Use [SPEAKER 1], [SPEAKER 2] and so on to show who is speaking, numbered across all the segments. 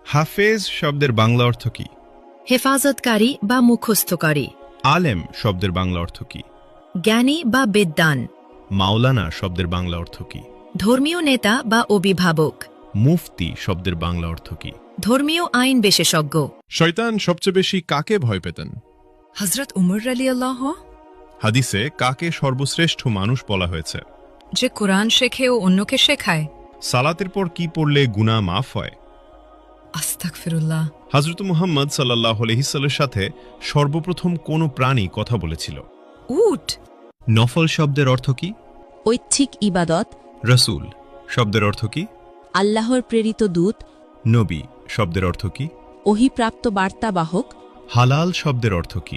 [SPEAKER 1] হাফেজ শব্দের বাংলা অর্থ কি?
[SPEAKER 2] হেফাজতকারী বা মুখস্থকারী।
[SPEAKER 1] আলেম শব্দের বাংলা অর্থ কি?
[SPEAKER 2] জ্ঞানী বা বিদ্বান।
[SPEAKER 1] মাওলানা শব্দের বাংলা অর্থ কি?
[SPEAKER 2] ধর্মীয় নেতা বা অভিভাবক।
[SPEAKER 1] মুফতি শব্দের বাংলা অর্থ কি?
[SPEAKER 2] ধর্মীয় আইন বিশেষজ্ঞ।
[SPEAKER 1] শয়তান সবচেয়ে বেশি কাকে ভয় পেতেন?
[SPEAKER 2] হযরত উমর রাদিয়াল্লাহু।
[SPEAKER 1] হাদিসে কাকে সর্বশ্রেষ্ঠ মানুষ বলা হয়েছে?
[SPEAKER 2] যে কোরআন শেখে ও অন্যকে শেখায়।
[SPEAKER 1] সালাতের পর কি পড়লে গুনাহ মাফ হয়?
[SPEAKER 2] আস্তাগফিরুল্লাহ।
[SPEAKER 1] হযরত মুহাম্মদ সাল্লাল্লাহু আলাইহি সাল্লামের সাথে সর্বপ্রথম কোন প্রাণী কথা বলেছিল?
[SPEAKER 2] উট।
[SPEAKER 1] নফল শব্দের অর্থ কি?
[SPEAKER 3] ঐচ্ছিক ইবাদত।
[SPEAKER 1] রাসূল শব্দের অর্থ কি?
[SPEAKER 3] আল্লাহর প্রেরিত দূত।
[SPEAKER 1] নবী শব্দের অর্থ কি?
[SPEAKER 3] ওহীপ্রাপ্ত বার্তাবাহক।
[SPEAKER 1] হালাল শব্দের অর্থ কি?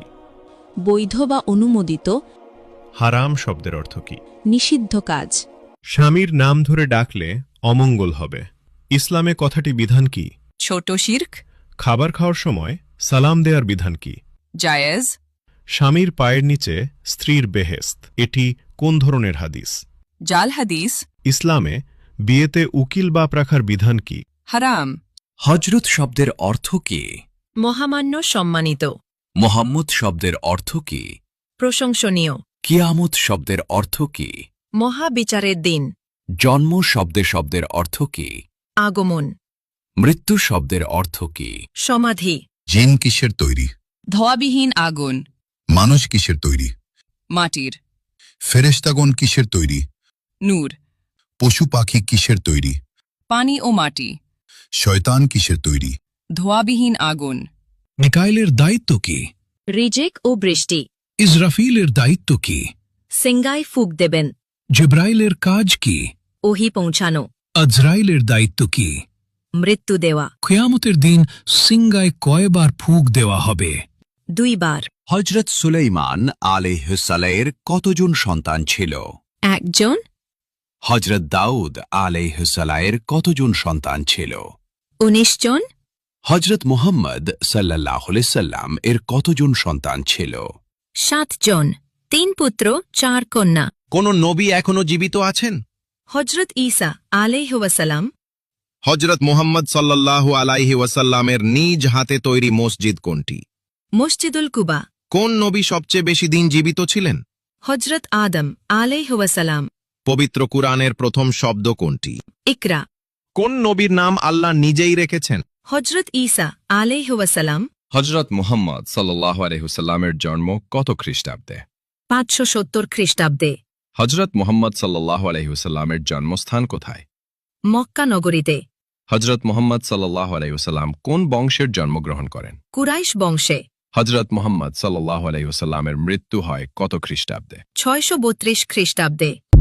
[SPEAKER 3] বৈধ বা অনুমোদিত।
[SPEAKER 1] হারাম শব্দের অর্থ কি?
[SPEAKER 3] নিষিদ্ধ কাজ।
[SPEAKER 1] স্বামীর নাম ধরে ডাকলে অমঙ্গল হবে। ইসলামে কথাটি বিধান কি?
[SPEAKER 4] ছোট শিরক।
[SPEAKER 1] খাবার খাওয়ার সময় সালাম দেওয়ার বিধান কি?
[SPEAKER 4] জায়েজ।
[SPEAKER 1] স্বামীর পায়ের নিচে স্ত্রীর বেহেশত, এটি কোন ধরনের হাদিস?
[SPEAKER 4] জাল হাদিস।
[SPEAKER 1] ইসলামে বিয়েতে উকিল বাপ রাখার বিধান কি?
[SPEAKER 4] হারাম।
[SPEAKER 5] হজরত শব্দের অর্থ কি?
[SPEAKER 2] মহামান্য, সম্মানিত।
[SPEAKER 5] মোহাম্মদ শব্দের অর্থ কি?
[SPEAKER 2] প্রশংসনীয়।
[SPEAKER 5] কিয়ামত শব্দের অর্থ কি?
[SPEAKER 2] মহাবিচারের দিন।
[SPEAKER 5] জন্ম শব্দের অর্থ কি?
[SPEAKER 2] আগমন।
[SPEAKER 5] মৃত্যু শব্দের অর্থ কি?
[SPEAKER 2] সমাধি।
[SPEAKER 6] জিন কিসের তৈরি?
[SPEAKER 4] ধোয়াবিহীন আগুন।
[SPEAKER 6] মানুষ কিসের তৈরি?
[SPEAKER 4] মাটির।
[SPEAKER 6] ফেরেশতাগণ কিসের তৈরি?
[SPEAKER 4] নূর।
[SPEAKER 6] পশু পাখি কিসের তৈরি?
[SPEAKER 4] পানি ও মাটি।
[SPEAKER 6] শয়তান কিসের তৈরি?
[SPEAKER 4] ধোয়াবিহীন আগুন।
[SPEAKER 7] মিকাইলের দায়িত্ব কি?
[SPEAKER 2] রিজিক ও বৃষ্টি।
[SPEAKER 7] ইসরাফিলের দায়িত্ব কি?
[SPEAKER 2] সিঙ্গায় ফুক দেবেন।
[SPEAKER 7] জিব্রাইলের কাজ কি?
[SPEAKER 2] ওহী পৌঁছানো।
[SPEAKER 7] আজরাইলের দায়িত্ব কি?
[SPEAKER 2] মৃত্যু দেওয়া।
[SPEAKER 7] কিয়ামতের দিন সিঙ্গায় কয়বার ফুঁক দেওয়া হবে?
[SPEAKER 2] 2 বার।
[SPEAKER 5] হজরত সুলাইমান আলাইহিসসালামের কতজন সন্তান ছিল?
[SPEAKER 2] 1 জন।
[SPEAKER 5] হজরত দাউদ আলাইহিসসালামের কতজন সন্তান ছিল?
[SPEAKER 2] 19 জন।
[SPEAKER 5] হজরত মুহাম্মদ সাল্লাল্লাহু আলাইহি সাল্লাম এর কতজন সন্তান ছিল?
[SPEAKER 2] 7 জন। 3 পুত্র 4 কন্যা।
[SPEAKER 8] কোন নবী এখনো জীবিত আছেন?
[SPEAKER 2] হযরত ঈসা আলাইহি ওয়াসাল্লাম।
[SPEAKER 8] হজরত মুহাম্মদ সাল্লাল্লাহু আলাইহি ওয়াসাল্লামের নিজ হাতে তৈরি মসজিদ কোনটি?
[SPEAKER 2] মসজিদুল কুবা।
[SPEAKER 8] কোন নবী সবচেয়ে বেশি দিন জীবিত ছিলেন?
[SPEAKER 2] হযরত আদম আলাইহি ওয়াসাল্লাম।
[SPEAKER 8] পবিত্র কুরআনের প্রথম শব্দ কোনটি?
[SPEAKER 2] ইকরা।
[SPEAKER 8] কোন নবীর নাম আল্লাহ নিজেই রেখেছেন?
[SPEAKER 2] হযরত ঈসা আলাইহি ওয়াসাল্লাম।
[SPEAKER 9] হজরত মুহাম্মদ সাল্লাল্লাহু আলাইহি ওয়াসাল্লামের জন্ম কত খ্রিস্টাব্দে?
[SPEAKER 2] 570 খ্রিস্টাব্দে।
[SPEAKER 9] হজরত মুহাম্মদ সাল্লাল্লাহু আলাইহি ওয়াসাল্লামের জন্মস্থান কোথায়?
[SPEAKER 2] মক্কা নগরীতে।
[SPEAKER 9] হজরত মুহাম্মদ সাল্লাল্লাহু আলাইহি ওয়াসাল্লাম কোন বংশের জন্মগ্রহণ করেন?
[SPEAKER 2] কুরাইশ বংশে।
[SPEAKER 9] হজরত মুহাম্মদ সাল্লাল্লাহু আলাইহি ওয়াসাল্লামের মৃত্যু হয় কত খ্রিস্টাব্দে?
[SPEAKER 2] 632 খ্রিস্টাব্দে।